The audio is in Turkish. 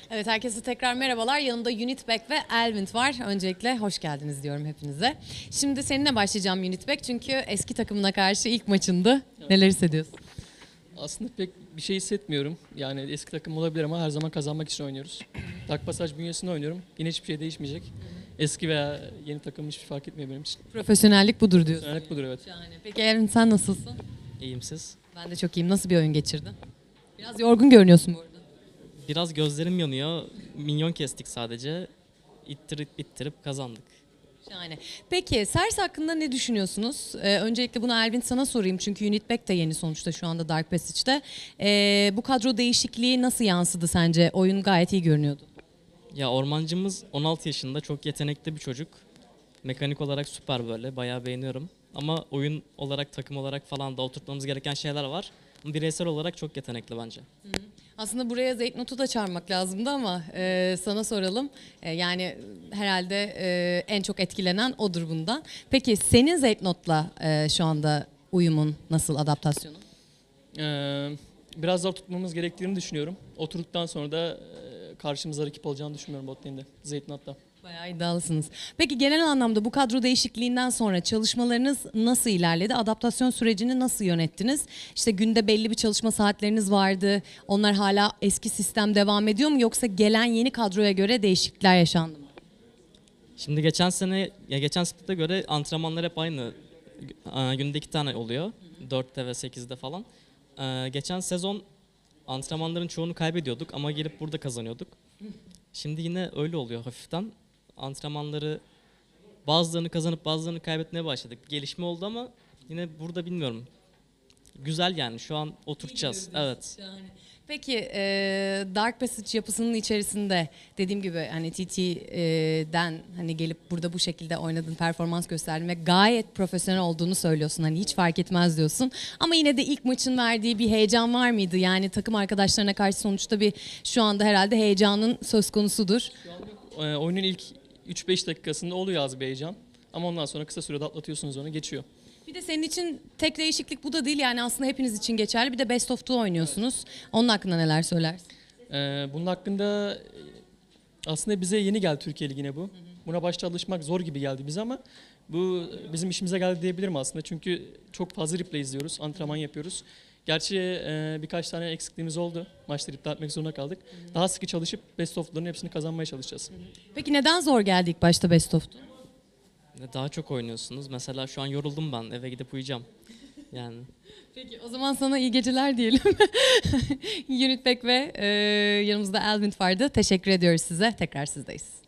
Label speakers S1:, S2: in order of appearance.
S1: Evet, herkese tekrar merhabalar. Yanımda Unitback ve Elvin var. Öncelikle hoş geldiniz diyorum hepinize. Şimdi seninle başlayacağım Unitback çünkü eski takımına karşı ilk maçındı. Neler hissediyorsun?
S2: Aslında pek bir şey hissetmiyorum. Yani eski takım olabilir ama her zaman kazanmak için oynuyoruz. Dark Passage bünyesinde oynuyorum. Yine hiçbir şey değişmeyecek. Eski veya yeni takım hiçbir fark etmiyor benim için.
S1: Profesyonellik budur diyorsun.
S2: Profesyonellik budur, evet.
S1: Şahane. Peki Elvin, sen nasılsın?
S3: İyiyim siz?
S1: Ben de çok iyiyim. Nasıl bir oyun geçirdin? Biraz yorgun görünüyorsun bu arada.
S3: Biraz gözlerim yanıyor. Minyon kestik sadece. İttirip bittirip kazandık.
S1: Şahane. Peki Sers hakkında ne düşünüyorsunuz? Öncelikle bunu Elvin sana sorayım çünkü Unitback de yeni sonuçta şu anda Dark Passage'de. Bu kadro değişikliği nasıl yansıdı sence? Oyun gayet iyi görünüyordu.
S3: Ya ormancımız 16 yaşında, çok yetenekli bir çocuk. Mekanik olarak süper böyle, bayağı beğeniyorum. Ama oyun olarak, takım olarak falan da oturtmamız gereken şeyler var. Ama bireysel olarak çok yetenekli bence.
S1: Aslında buraya Zeytnot'u da çağırmak lazımdı ama sana soralım. Yani herhalde en çok etkilenen odur bundan. Peki senin Zeytnot'la şu anda uyumun nasıl, adaptasyonun?
S2: Biraz zor tutmamız gerektiğini düşünüyorum. Oturduktan sonra da karşımıza rakip olacağını düşünmüyorum bot lane'de. Zeytin hatta.
S1: Bayağı iddialısınız. Peki genel anlamda bu kadro değişikliğinden sonra çalışmalarınız nasıl ilerledi? Adaptasyon sürecini nasıl yönettiniz? İşte günde belli bir çalışma saatleriniz vardı. Onlar hala eski sistem devam ediyor mu? Yoksa gelen yeni kadroya göre değişiklikler yaşandı mı?
S3: Şimdi geçen split'e göre antrenmanlar hep aynı. Günde 2 tane oluyor. 4'te ve 8'de falan. Geçen sezon antrenmanların çoğunu kaybediyorduk ama gelip burada kazanıyorduk. Şimdi yine öyle oluyor hafiften. Antrenmanları bazılarını kazanıp bazılarını kaybetmeye başladık. Gelişme oldu ama yine burada bilmiyorum. Güzel yani, şu an oturtacağız. Evet.
S1: Peki Dark Passage yapısının içerisinde dediğim gibi hani TT'den hani gelip burada bu şekilde oynadın, performans gösterdin ve gayet profesyonel olduğunu söylüyorsun. Hani hiç fark etmez diyorsun. Ama yine de ilk maçın verdiği bir heyecan var mıydı? Yani takım arkadaşlarına karşı sonuçta bir şu anda herhalde heyecanın söz konusudur.
S2: Oyunun ilk 3-5 dakikasında oluyor az bir heyecan. Ama ondan sonra kısa sürede atlatıyorsunuz, onu geçiyor.
S1: Bir de senin için tek değişiklik bu da değil, yani aslında hepiniz için geçerli. Bir de Best of Two oynuyorsunuz. Onun hakkında neler söylersin?
S2: Bunun hakkında aslında bize yeni geldi Türkiye Ligi'ne bu. Buna başta alışmak zor gibi geldi bize ama bu bizim işimize geldi diyebilirim aslında. Çünkü çok fazla replay izliyoruz, antrenman yapıyoruz. Gerçi birkaç tane eksikliğimiz oldu. Maçları iptal etmek zorunda kaldık. Daha sıkı çalışıp Best of'ların hepsini kazanmaya çalışacağız.
S1: Peki neden zor geldi ilk başta Best of Two?
S3: Daha çok oynuyorsunuz. Mesela şu an yoruldum ben. Eve gidip uyuyacağım. Yani.
S1: Peki o zaman sana iyi geceler diyelim. Unitback ve yanımızda Elvin vardı. Teşekkür ediyoruz size. Tekrar sizdeyiz.